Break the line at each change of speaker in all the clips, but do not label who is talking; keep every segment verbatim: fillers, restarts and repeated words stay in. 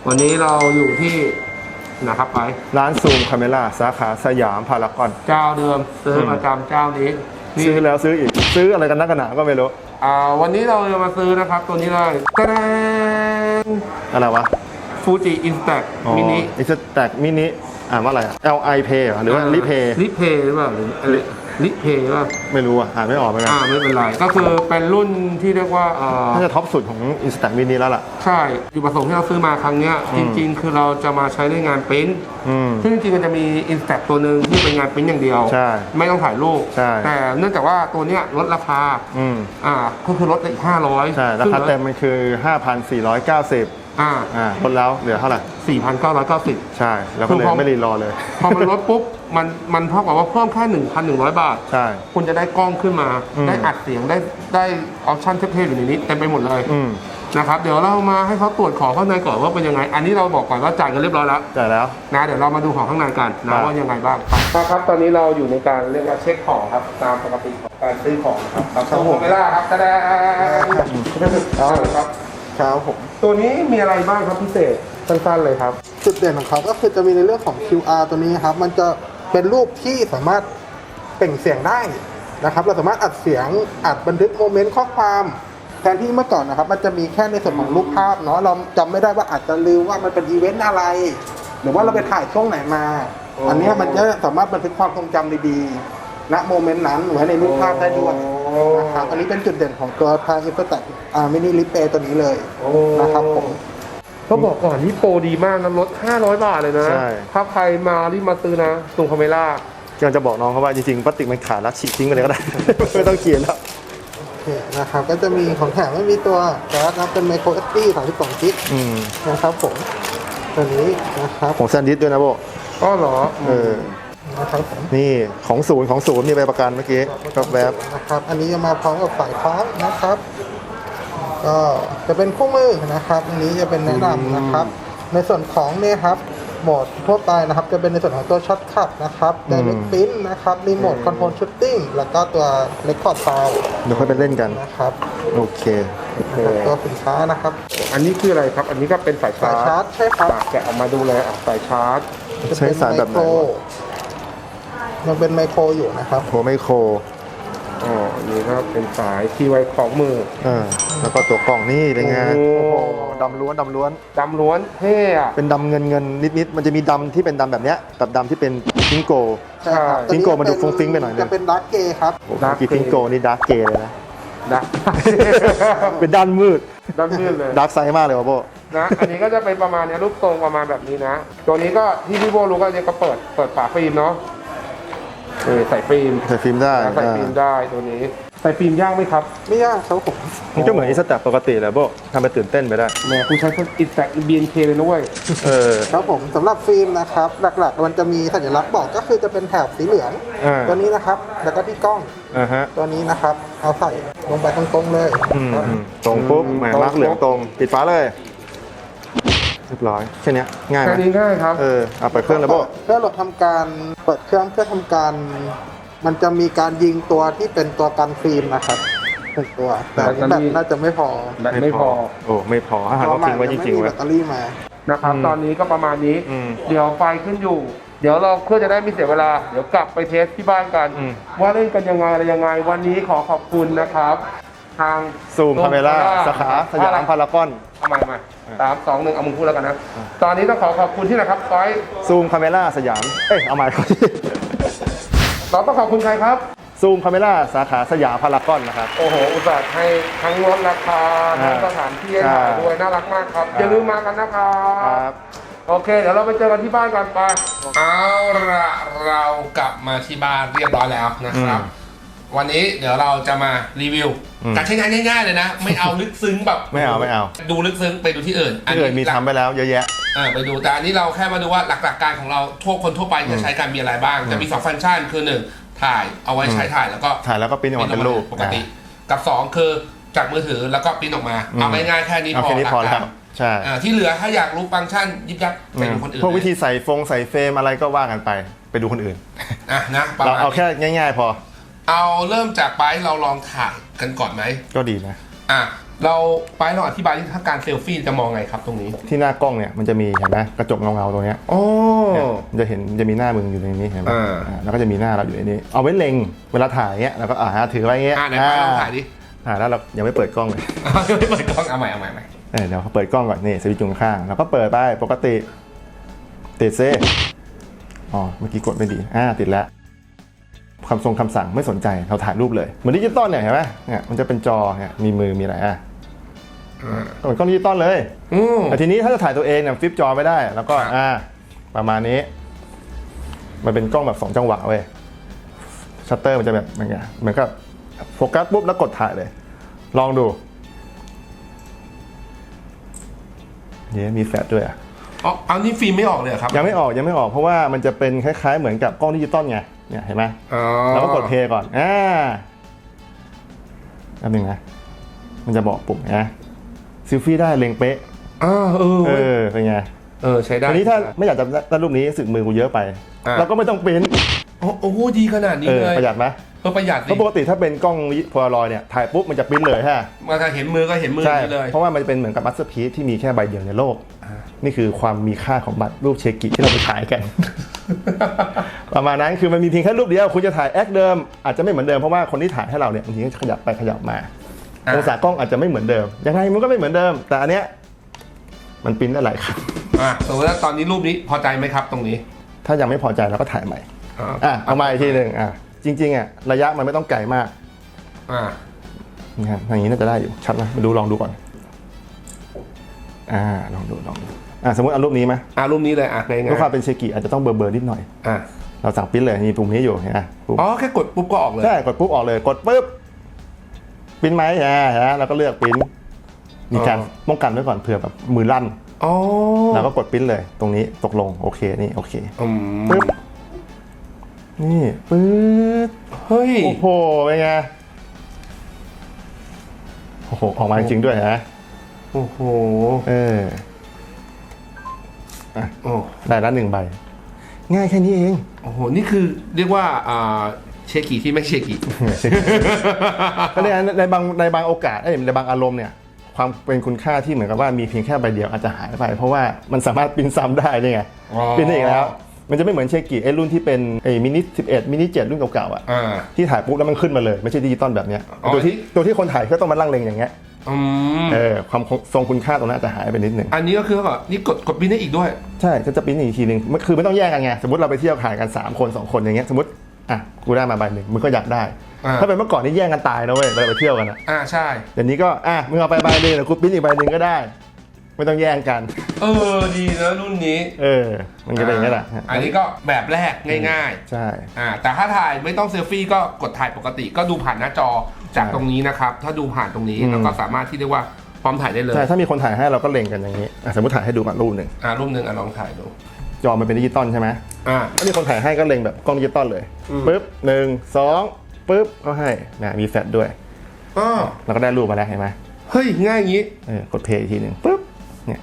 วันนี้เราอยู่ที่นะครับไป
ร้านซูมคาเมล่าสาขาสยามพารากอน
เจ้าเดิมซื้อประจำเจ้านี้
ซื้อแล้วซื้ออีกซื้ออะไรกันนักกันหนาก็ไม่รู้
อ่าวันนี้เราจะมาซื้อนะครับตัวนี้เลยกระแดง
อะไรวะ
ฟูจิอินสแต็กมินิ
อินสแต็กมินิอ่านว่าอะไร L I Pay หรือว่าลิเพย์
ลิเพย์หรือเปล่าหรือลิเพย์ว่า
ไม่รู้อ่ะอ่านไม่ออกเหมือนกัน
อ่าไม่เป็นไรก็คือเป็นรุ่นที่เรียกว่าอ่า
น่าจะท็อปสุดของอินสแต็กมินิแล้วล่ะ
ใช่จุดประสงค์ที่เราซื้อมาครั้งนี้จริงๆคือเราจะมาใช้ในงานปริ้นซึ่งจริงๆมันจะมีอินสแต็กตัวหนึ่งที่เป็นงานปริ้นอย่างเดียวไม่ต้องถ่ายรูปแต่เนื่องจากว่าตัวเนี้ยลดราคาอ่าก็คือลดอีกห้าร้อย
ใช่ราคาเต็มมันคือ ห้าพันสี่ร้อยเก้าสิบอ่าอ่าลดแล้วเหลือเท่าไหร่
สี่พันเก้าร้อยเก้าสิบ
ใช่แล้วก็เลยไม่รีรอเลย
พอมันลดปุ๊บมันมันเท่ากับว่าเพิ่มแค่ หนึ่งพันหนึ่งร้อย บาท
ใช่
คุณจะได้กล้องขึ้นมาได้อัดเสียงได้ได้ออปชั่นเทพๆอยู่ในนี้เต็มไปหมดเลยนะครับเดี๋ยวเรามาให้เขาตรวจของข้างในก่อนว่าเป็นยังไงอันนี้เราบอกก่อนว่าจ่ายกันเรียบร้อยแล้ว
จ่ายแล้ว
นะเดี๋ยวเรามาดูของข้างในกันนะว่ายังไงบ้างครับตอนนี้เราอยู่ในการเรียกว่าเช็คของครับตามปกติของการซื้อของครับเราส่งเวลาครับแสดงครับ
ครับผม
ตัวนี้มีอะไรบ้างครับพิเศษสั้นๆเลยครับ
จุดเด่นของเขาก็คือจะมีในเรื่องของ คิว อาร์ ตัวนี้ครับมันจะเป็นรูปที่สามารถเปล่งเสียงได้นะครับเราสามารถอัดเสียงอัดบันทึกโมเมนต์ข้อความแทนที่เมื่อก่อนนะครับมันจะมีแค่ในส่วนของรูปภาพเนาะเราจำไม่ได้ว่าอาจจะลืมว่ามันเป็นอีเวนต์อะไรหรือว่าเราไปถ่ายช่วงไหนมาอันนี้มันจะสามารถบันทึกความทรงจำดีๆณโมเมนต์นั้นไว้ในรูปภาพได้ด้วยนะครับอันนี้เป็นจุดเด่นของตัวทางอินสแต็กอ่ามินิลิปเปตัวนี้เลยนะครับผม
เขาบอกก่อนนี่โปรดีมากนะลดห้าร้อยบาทเลยนะถ้าใครมารีบมาซื้อนะตรงคาเมล่าก
ำลังจะบอกน้องเขาว่าจริงๆพลาสติกมันขาดแล้วฉีกทิ้งไปเลยก็ได้ไม่ต้องเขียนแล้ว
นะครับก็จะมีของแถมไม่มีตัวการ์ดนะเป็นไมโครเอสดีสามสิบสองกิกนะครับผมตัวนี้นะครับ
ของแซนดิสด้วยนะโบ
ก็เหรอ
เออ
นะครับ
นี่ของศูนย์ของศูนย์มีใบประกันเมื่อกี้กับแบบ
นะครับอันนี้จะมาพร้อมกับสายชาร์จนะครับก็จะเป็นคู่มือนะครับอันนี้จะเป็นแนะนำนะครับในส่วนของเนี่ยครับโหมดทั่วไปนะครับจะเป็นในส่วนของตัวช็อตคัทนะครับไดเรกปิ้นนะครับมีโหมดคอนโทรลชูตติ้งแล้วก็ตัวเรคคอร์ดไฟล์
เดี๋ยวค่อยไปเล่นกัน
นะครับ
โอเค
ตัวสินค้านะครับ
อันนี้คืออะไรครับอันนี้ก็เป็นสายชาร์จ
ชาร์จใช่ครับ
แกะออกมาดูเลยสายชาร์จ
ใช้สายแบบไหน
ยังเป็นไมโครอยู่นะครับ
โหไมโคร
อ๋อนี่ครับเป็นสายที่ไว้ของมือ
อ่าแล้วก็ตัวกล่องนี่เป็นไงโอ้โหดำล้วนดำล้วน
ดำล้วนเท่อะ
เป็นดำเงินเงินนิดๆมันจะมีดำที่เป็นดำแบบเนี้ยกับดำที่เป็นพิงโก
ใช่ครับ
พิงโกมันดูฟุ้งฟิ้งไปหน่อยนึง
จะเป็นดาร์กเกย์ครับ
กี่พิงโกนี่ดาร์กเกย์เลยนะ
ดาร์ก
เป็นด้านมืด
ด้านมืดเลย
ดาร์กไซด์มากเลยวะโบ
นะอันนี้ก็จะเป็นประมาณนี้รูปทรงประมาณแบบนี้นะตัวนี้ก็ที่พี่โบรู้ก็จะก็เปิดเปิดฝาฟิล์มเนาะเออใส่ฟิล์ม
ใส่ฟิล์มได้
ใส่ฟิล์มได้ตัวนี้ใส่ฟิล์มยากไหมครับ
ไม่ยากครับผม
มันก็เหมือนอินสแต็กปกติแหละโบทำไปตื่นเต้นไปได้
แหมคุณใช้คนอินสแต็กบี เอ็น เคเลยนะเว้ย
เออ
ครับผมสำหรับฟิล์มนะครับหลักๆมันจะมีสัญลักษณ์บอกก็คือจะเป็นแถบสีเหลืองตัวนี้นะครับแล้วก็ที่กล้องตัวนี้นะครับเอาใส่ลงไปตรงๆเลย
ตรงปุ๊บแหมมาร์กเหลืองตรงปิดฝาเลยเรียบร้อยแค่นี้ง่ายไหม
แค่นี้ง่ายครับ
เออเอาเปิดเครื่องแล้วโบ
เพื่อเราทำการเปิดเครื่องเพื่อทำการมันจะมีการยิงตัวที่เป็นตัวกันฟิล์มนะครับหนึ่งตัวแต่แบตน่าจะไม่พอ
แบตไม่พอ
โอ้ไม่พอถ้าเราทิ้งไว้จริงๆ
แบตเตอรี่มา
นะครับตอนนี้ก็ประมาณนี้เดี๋ยวไฟขึ้นอยู่เดี๋ยวเราเพื่อจะได้ไม่เสียเวลาเดี๋ยวกลับไปเทสที่บ้านกันว่าเล่นกันยังไงอะไรยังไงวันนี้ขอขอบคุณนะครับทาง
ซูมคาเมล่าสาขาสยามพารากอน
เอาใหม่ใหม่สามสองหนึ่งเอามึงพูดแล้วกันนะตอนนี้ต้องขอขอบคุณที่นะครับก้อย
ซูมคาเมล่าสยามเอ้ยเอาใหม่ครับ
เราต้องขอบคุณใครครับ
ซูมคาเมล่าสาขาสยามพารากอนนะครับ
โอ้โหอุตส่าห์ให้ทั้งลดราคาทั้งสถานที่ให้ถ่ายด้วยน่ารักมากครับอย่าลืมมากันนะครับโอเคเดี๋ยวเราไปเจอกันที่บ้านกันไปเอาละเรากลับมาที่บ้านเรียบร้อยแล้วนะครับวันนี้เดี๋ยวเราจะมารีวิวการใช้งานง่ายๆเลยนะไม่เอาลึกซึ้งแบบ
ไม่เอาไม่เอา
ดูลึกซึ้งไปดูที่อื่น
ที่อื่นมีทำไปแล้วเยอะแยะ
อ่าไปดูแต่อันนี้เราแค่มาดูว่าหลักๆการของเราทั่วคนทั่วไปจะใช้การมีอะไรบ้างจะมีสองฟังก์ชันคือหนึ่งถ่ายเอาไว้ใช้ถ่ายแล้วก็
ถ่ายแล้วก็ปริ้นออกมาเป็นรูป
ปกติกับสองคือจากมือถือแล้วก็ปริ้นออกมาเอาง่ายๆแค่นี้พอ
แล้วใช่
ที่เหลือถ้าอยากรู้ฟังก์ชันยิบยับไปดูคนอื่น
พวกวิธีใส่ฟงใส่เฟรมอะไรก็ว่ากันไปไปดูคนอื่น
อ่ะนะ
เราเอาแค่ง่ายๆพอ
เอาเริ่มจากไปเราลองถ่ายกันก่อนไหม
ก็ดีนะ
อ่ะเราไปลองอธิบายที่ถ้าการเซลฟี่จะมองไงครับตรงนี้
ที่หน้ากล้องเนี่ยมันจะมีเห็นไหมกระจกเงาๆตรงเนี้ย
โอ้
เนี่ยมันจะเห็นจะมีหน้ามึงอยู่ในนี้เห็นไหม
อ่า
อ่าแล้วก็จะมีหน้าเราอยู่ในนี้ เอาไว้เล็งเวลาถ่ายเงี้ยแล้วก็อ่าถือไว้เงี้ย
อ่ะไหนไปลองถ่ายดิ
ถ่ายแล้วเรายังไม่เปิดกล้องเลย
ยังไม่เปิดกล้องเอาใหม่เอาใหม่เอาใหม่
เออเดี๋ยวเปิดกล้องก่อนนี่สวิตช์อยู่ข้างๆแล้วก็เปิดไปปกติติดเซอ๋อเมื่อกี้กดไม่ดีอ่าติดแล้วคำทรงคำสั่งไม่สนใจเราถ่ายรูปเลยเหมือนดิจิตอลเนี่ยเห็นไหมเนี่ยมันจะเป็นจอเนี่ยมีมือมีอะไรอ่ะเหมือนกล้องดิจิตอลเลย
อืม
แต่ทีนี้ถ้าจะถ่ายตัวเองเนี่ยฟลิปจอไม่ได้แล้วก็
ครับ
อ่าประมาณนี้ มันเป็นกล้องแบบสองจังหวะเว้ยชัตเตอร์มันจะแบบมันไงเหมือนกับโฟกัสปุ๊บแล้วกดถ่ายเลย ลองดูเนี่ยมีแฟลชด้วยอ่ะ
อ๋อเอานี่ฟิล์มไม่ออกเลยเหรอครับ
ยังไม่ออกยังไม่ออกเพราะว่ามันจะเป็นคล้ายๆเหมือนกับกล้องดิจิตอลไงเนี่ยเห็นไหม
อ๋อ
เราก็กดเพลย์ก่อนอ่าแป๊บนึงนะมันจะบอกปุ่มนะซิลฟี่ได้เล็งเป๊ะ
อ่าเออ
เออเป็นไง
เออใช้ได้
ทีนี้ถ้าไม่อยากจะได้รูปนี้สึกมือกูเยอะไป
อ่ะ
เราก็ไม่ต้องปริ้น
โอ้โอ้โหดีขนาดนี้
เออ
เลย
ประหยัดไหม
เออประหยัด
เพ
ดิ
ราะปกติถ้าเป็นกล้องโพลารอยด์เนี่ยถ่ายปุ๊บมันจะปริ้นเลยฮะ
มาถ้าเห็นมือก็เห็นมือ
ใช่
นี่เลย
เพราะว่ามันจะเป็นเหมือนกับมัสเตอร์พีซที่มีแค่ใบเดียวในโลกนี่คือความมีค่าของบัตรรูปเชกิที่เราไปถ่ายกัน ประมาณนั้นคือมันมีเพียงแค่รูปเดียวคุณจะถ่ายแอคเดิมอาจจะไม่เหมือนเดิมเพราะว่าคนที่ถ่ายให้เราเนี่ยบางทีก็ขยับไปขยับมาองศากล้องอาจจะไม่เหมือนเดิมยังไงมันก็ไม่เหมือนเดิม แต่อันเนี้ยมันปริ้นได้หลายครั้ง
อ่ะสมมติว่าตอนนี้รูปนี้พอใจไหมครับตรงนี้
ถ้ายังไม่พอใจเราก็ถ่ายใหม่
อ่า
อ่ะเอามาอีกทีหนึ่งอ่ะจริงๆอ่ะระยะมันไม่ต้องไกลมาก
อ่า
นี่ครับอย่างนี้น่าจะได้อยู่ชัดไหมมาดูลองดูก่อนอ่าลองดูลองดูอ่ะสมมติเอารูปนี้ไหม
อ่ารูปนี้เลยอ่ะง่ายๆ
เพื่อความเป็นเชกิอาจจะต้องเบลอๆนิดหน่อย
อ่ะ
เราสั่งปริ้นเลยมีปุ่มนี้อยู่เห็นไหมปุ่ม
อ๋อแค่กดปุ๊บก็ออกเลย
ใช่กดปุ๊บออกเลยกดปุ๊บปริ้นไหมอ่าฮะเราก็เลือกปริ้นมีการป้องกันไว้ก่อนเผื่อแบบมือลั่น
อ๋อ
เราก็กดปริ้นเลยตรงนี้ตกลงโอเคนี่โอเค
อืม
ปึ๊บนี่ปึ๊บ
เฮ้ย
โอ้โหเป็นไงโอ้โหออกมาจริงๆด้วยฮะ
โอ้โห
เออ
โอ้
ได้ละหนึ่งใบ ง่ายแค่นี้เอง
โอ้โหนี่คือเรียกว่าอ่าเชกิที่ไม่เชกิ
ก็ในในบางในบางโอกาสเอ้ยในบางอารมณ์เนี่ยความเป็นคุณค่าที่เหมือนกับว่ามีเพียงแค่ใบเดียวอาจจะหายไป เพราะว่ามันสามารถปริ้นซ้ำได้นี่ไง
อ๋อ
ปริ้นได้อีกแล้ว มันจะไม่เหมือนเชกิไอ้รุ่นที่เป็นไอ้มินิสิบเอ็ดมินิเจ็ดรุ่นเก่าๆอ่ะ
อ่า
ที่ถ่ายปุ๊บแล้วมันขึ้นมาเลยไม่ใช่ดิจิตอลแบบเนี้ย
อ๋อ
ตัวที่ตัวที่คนถ่ายก็ต้องมาลั่งเลงอย่างเงี้ย
อืม
เออความทรงคุณค่าตรงนั้นอาจจะหายไปนิดหนึ่ง
อันนี้ก็คือแบบนี่กดกดบินได้อีกด้วย
ใช่ก็จะปริ้นอีกทีหนึ่งมันคือไม่ต้องแยกกันไงสมมติเราไปเที่ยวถ่ายกันสามคนสองคนอย่างเงี้ยสมมติอ่ะกูได้มาใบหนึ่งมึงก็อยากได้
อ่า
ถ้าเป็นเมื่อก่อนนี่แย่งกันตายนะเว้ยเวลาไปเที่ยวกันอ่ะ
อ่าใช่
เดี๋ยวนี้ก็อ่ะมึงเอาไปใบหนึ่งแล้วกูปริ้นอีกใบหนึ่งก็ได้ ไม่ต้องแย่งกัน
เออดีนะรุ่นนี้
เออ มันก็เป็นอย่างนี้แหละ
อันนี้ก็แบบแรกง่าย
ใช่
ๆอ่าแต่ถ้าถ่ายไม่ต้องเซลฟี่ก็กดถ่ายปกติก็ดูผ่านหน้าจอจากตรงนี้นะครับถ้าดูผ่านตรงนี้แล้วก็สามารถที่เรียกว่าพร้อมถ่ายได้เลย
ใช่ถ้ามีคนถ่ายให้เราก็เล็งกันอย่างนี้อ่ะสมมติถ่ายให้ดูก่อนรูปหนึ่ง
อ่ารูปหนึ่งอ่ะลองถ่ายดู
จอมันเป็นดิจิตอลใช่ไหม
อ่า
ถ้ามีคนถ่ายให้ก็เล็งแบบกล้องดิจิตอลเลย
อืม
ปึ๊บหนึ่งสองปึ๊บก็ให้นะมีแฟลชด้วย
อ๋อ
เราก็ได้รูปมาแล้วเห็นไหม
เฮ้ยง่ายอย่างนี้
เออกดเพลย์อีกทีหนึ่งปึ๊บเนี่ย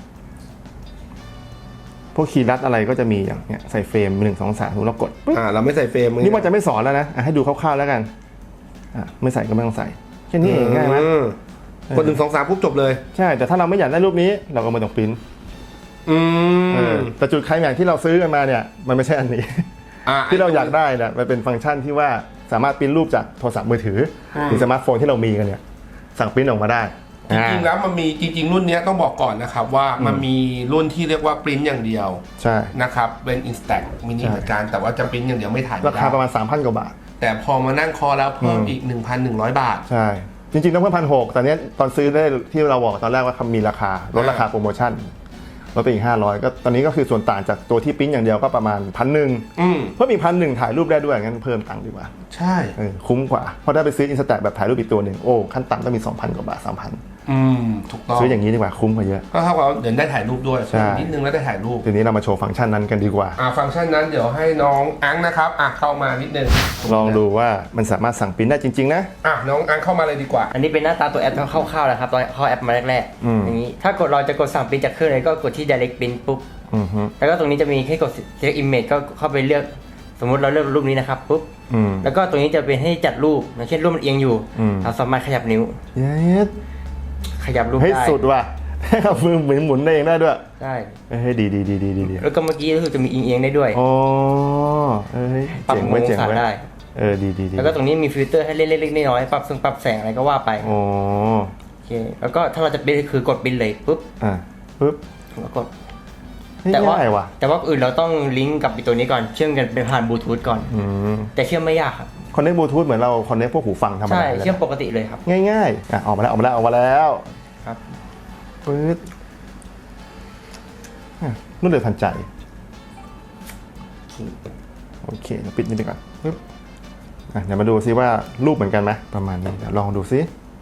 พวกคีย์ลัดอะไรก็จะมีอย่างเนี้ยใส่เฟรมหนึ่งสองสามเรากดปึ๊บ
อ่าเราไม่ใส่เฟรม
นี่มันจะไม่สอนแล้วนะอ่ะให้ดูคร่าวๆแล้วกันอ่ะไม่ใส่ก็ไม่ต้องใส่แค่นี้เองง่ายไหม
อืกดหนึ่งสองสามปุ๊บจบเลย
ใช่แต่ถ้าเราไม่อยากได้รูปนี้เราก็ไม่ต้องปริ้น
อื
เอ
ม
อแต่จุดไคลแม็กซ์ที่เราซื้อกันมาเนี่ยมันไม่ใช่อันนี้
อ่า
ที่เราอยากได้เนี่ยมันเป็นฟังก์ชันที่ว่าสามารถปริ้นรูปจากโทรศัพท์มือถืออ
ม
หรือสมาร์ทโฟนที่เรามีกันเนี่ยสั่งปริ้นออกมาได้
จริงๆแล้วมันมีจริงๆรุ่นนี้ต้องบอกก่อนนะครับว่ามันมีรุ่นที่เรียกว่าปริ้นอย่างเดียว
ใช่
นะครับเป็น Instax mini
ใช่
เหมือนกันแต่ว่าจะปริ้นอย่างเดียวไม่ถ่าย
ราคาประมาณ สามพัน กว่าบาท
แต่พอมานั่งคอแล้วเพิ่มอีก หนึ่งพันหนึ่งร้อย บาท
ใช่จริงๆต้องเพิ่มพันหกแต่เนี้ยตอนซื้อได้ที่เราบอกตอนแรกว่ามีราคาลดราคาโปรโมชั่นลดไปอีกห้าร้อยก็ตอนนี้ก็คือส่วนต่างจากตัวที่ปริ้นอย่างเดียวก็ประมาณพันหนึ่ง
อืม
เพิ่มอีกพันหนึ่งถ่ายรูปได้ด้วยงั้นเพิ่มตังค์ดีกว่า
ใช่
เออคุ้มกว่าเพราะถ้าไปซื้ออินสแตทแบบถ่ายรูปอีกตัวหนึ่งโอ้ขั้นต่ำต้องมี สองพัน กว่าบาท สามพัน
อืมถูกต้อง
ซื้ออย่างนี้ดีกว่าคุ้มกว่าเยอะ
ก็เท่ากับว่าเดี๋ยวได้ถ่ายรูปด้วย
ใช่
นิดนึงแล้วได้ถ่ายรูป
ทีนี้เรามาโชว์ฟังก์ชันนั้นกันดีกว่า
อ่าฟังก์ชันนั้นเดี๋ยวให้น้องอังนะครับอ่ะเข้ามานิดนึง
ลองดูว่ามันสามารถสั่งปริ้นได้จริงๆนะ
อ่ะน้องอังเข้ามาเลยดีกว่า
อันนี้เป็นหน้าตาตัวแอปคร่าวๆนะครับตอนเข้าแอปมาแรก
อืม
ๆอย่างนี้ถ้ากดเราจะกดสั่งปริ้นจากเครื่องเลยก็กดที่ direct print ปุ๊บ
อือฮึ
แล้วก็ตรงนี้จะมีให้กด select image ก็เข้าไปเลือกสมมติเราเลือกรูปนี้นะครับปุ๊บ
อืม
แล้วก็ตรงนี้จะเป็นให้จัดรูปอย่างเช่นรูปมันเอียงอยู่
อืม
เราสามารถขยับนิ้ว
เย็ด
ขยับรูป
เฮ้ย
ได้
สุดว่ะ ให้กับมือหมุนหมุนได้เองได้ด้วย
ใช่
เฮ้ยดีดีดีดีดีดี
แล้วก็เมื่อกี้ก็คือจะมีเอียงๆได้ด้วย
อ๋อเอ้ย
ปรับ
เจ๋ง
มุม
เว้ย
อ
เจ๋
ง
ง
ศา
เว้ย
ได้
เออดีดีดี
แล้วก็ตรงนี้มีฟิลเตอร์ให้เล็กๆน้อยๆปรับซึ่งปรับแสงอะไรก็ว่าไป
อ๋อ
โอเคแล้วก็ถ้าเราจะบินคือกดบินเลยปุ๊บ
อ่ะปึ๊บ
แล้วกด
เฮ้ย
แต่ว่า
ง่ายว่ะ
แต่ว่าอื่นเราต้องลิงก์กับไอ้ตัวนี้ก่อนเชื่อมกันเป็นผ่านบลูทูธก่อน
อืม
แต่เชื่อมไม่ยากครับ
คอนเนคบลูทูธเหมือนเราคอนเนคพวกหูฟังธรรม
ใช่
ดาเลย
เชื่อมปกติเลยครับ
ง่ายๆอ่ะออกมาแล้วออกมาแล้วออกมาแล้ว
ครับ
ปึ๊ดอ่ะรวดเร็วทันใจโอเคเดี๋ยวปิดนี่ไปก่อนปึ๊บอ่ะเดี๋ยวมาดูซิว่ารูปเหมือนกันไหมประมาณนี้เดี๋ยวลองดูซิ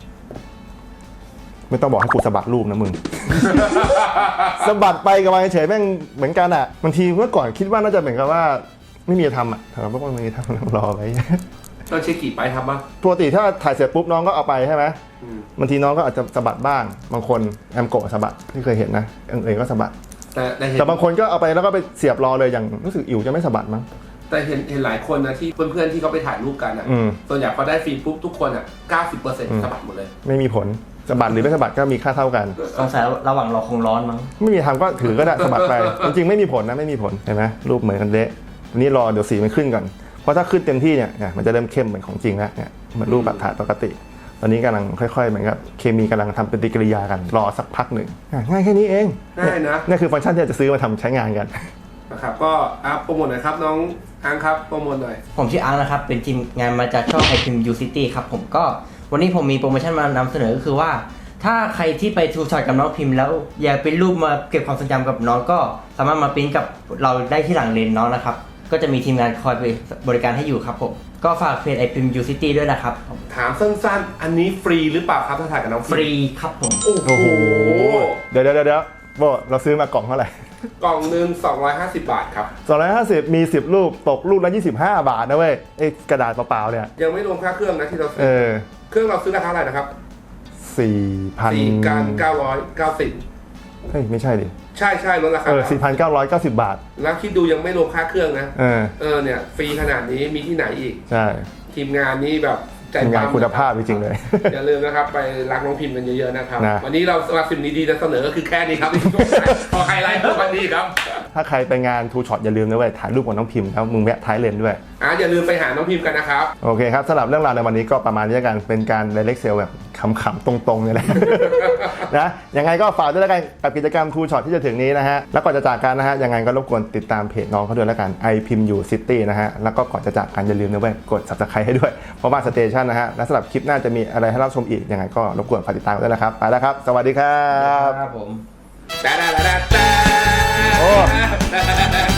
ไม่ต้องบอกให้กูสะบัดรูปนะมึง สะบัดไปกับมาเฉยๆแม่งเหมือนกันอ่ะบางทีเมื่อก่อนคิดว่าน่าจะเหมือนกับว่าไม่มีจะทำอ่ะแต่ว่าไม่มีทำรอไว้
เราเช็คกี่ไปทำบ้าง
ปกติถ้าถ่ายเสร็จปุ๊บน้องก็เอาไปใช่ไหม
อืม
บางทีน้องก็อาจจะสะบัดบ้างบางคนแอมโกะสะบัดที่เคยเห็นนะเอิงๆก็สะบัด
แต่แต่เห็น
แต่บางคนก็เอาไปแล้วก็ไปเสียบรอเลยอย่างรู้สึกอิ๋วจะไม่สะบัดมั้ง
แต่เห็นเห็นหลายคนนะที่เพื่อนๆที่เขาไปถ่ายรูปกันอ่ะ
อืม
ส่วนใหญ่พอได้ฟิล์มปุ๊บทุกคนอ่ะเก้าสิบเปอร์เซ็นต์
อืม
สะบัดหมดเลย
ไม่มีผลสะบัดหรือไม่สะบัดก็มีค่าเท่ากัน
สงสัยระหว่างรอคงร้อนมั้ง
ไม่มีทำก็ถือก็ได้สะบัดไป จริงๆไม่มีผลนะไม่มีผลเห็นไหมรูปเหมือนกันเละอันนี้รอเดี๋ยวสีมันขึ้นก่อนเพราะถ้าขึ้นเต็มที่เนี่ยเนี่ยมันจะเริ่มเข้มเหมือนของจริงแล้วเนี่ยเหมือนรูปแบบถ่ายปกติ ตอนนี้กำลังค่อยๆเหมือนกับเคมีกำลังทำปฏิกิริยากันรอสักพักหนึ่งอ่ะง่ายแค่นี้เอง
ง่ายนะ
นี่คือฟังก์ชันที่เราจะซื้อมาทำใช้งานกัน
นะครับก็อ่ะโปรโมทหน่อยครับน้องอังครับโปรโมทหน่อย
ผมชื่ออาร์ตนะครับ เป็นทีมงานมาจากช่องไอพิมยูซิตี้ครับผมก็วันนี้ผมมีโปรโมชั่นมานำเสนอก็คือว่า ถ้าใครที่ไปทูช็อตกับน้องพิมพ์แล้วอยากเป็นรูปมาเก็บความทรงจำกับน้องก็สามารถมาปริ้นกับเราได้ที่หลังเลนน้องนะครับ ก็จะมีทีมงานคอยไปบริการให้อยู่ครับผม ก็ฝากเพจไอพิมยูซิตี้ด้วยนะครับ
ถามสั้นๆ อันนี้ฟรีหรือเปล่าครับถ้าถ่ายกับน้อง
ฟรีครับผม
โอ้
โอ้โห
โห
เดี๋ยวเดี๋ยวเดี๋ยวโบเราซื้อมากล่องเท่าไหร่
กล่องหนึ่งสองร้อยห้าสิบบาทครับ
สองร้อยห้าสิบมีสิบรูปตกรูปละยี่สิบห้าบาทนะเว้ยไอ้กระดาษเปล่าๆเนี่ย
ยังไม่รวมค่าเครื่องนะที่เรา
เอ
ซื้อ
อ
เครื่องเราซื้อราคาเท่าไหร่นะครับ
สี่พัน
สี่กันเก้าร้อยเก้าสิบ
เฮ้ยไม่ใช่ดิ
ใช่ใช่ลดราคา
เออสี่พันเก้าร้อยเก้าสิบบาท
แล้วคิดดูยังไม่รวมค่าเครื่องนะ
เออ
เออเนี่ยฟรีขนาดนี้มีที่ไหนอีก
ใช่
ทีมงานนี้แบบใจ
ทีมงาน
ปั๊ม
คุณภาพจริงๆเลย
อย่าลืมนะครับ ไปรักน้องพิมพ์กันเยอะๆนะครับ
นะ
วันนี้เราสำหรับสิ่งดีๆจะเสนอก็คือแค่นี้ครับ พอไฮไลท์ของวันนี้ครับ
ถ้าใครไปงานทูช็อตอย่าลืมนะเว้ยถ่ายรูปกับน้องพิมพ์แล้วมึงแวะท้ายเลนด้วย
อ่ะอย่าลืมไปหาน้องพิมพ์กันนะครับ
โอเคครับสำหรับเรื่องราวในวันนี้ก็ประมาณนี้แล้วกันเป็นการ direct sale แบบขำๆตรงๆเนี่ยแหละ นะยังไงก็ฝากด้วยแล้วกันกับกิจกรรมทูช็อตที่จะถึงนี้นะฮะแล้วก่อนจะจากกันนะฮะยังไงก็รบกวนติดตามเพจน้องเขาด้วยแล้วกัน i พิมพ์อยู่ซิตี้นะฮะแล้วก็ก่อนจะจากกันอย่าลืมนะเว้ยกด subscribe ให้ด้วยเพราะว่าสเตชันนะฮะและสำหรับคลิปหน้าจะมีอะไรให้รับชมอีกยังไงก็รบกวนฝากติดตามกันด้วยนะครับไปแล้วครับสวัสดีครับ
ครับผม
แต่แต่แต่แต่
โอ้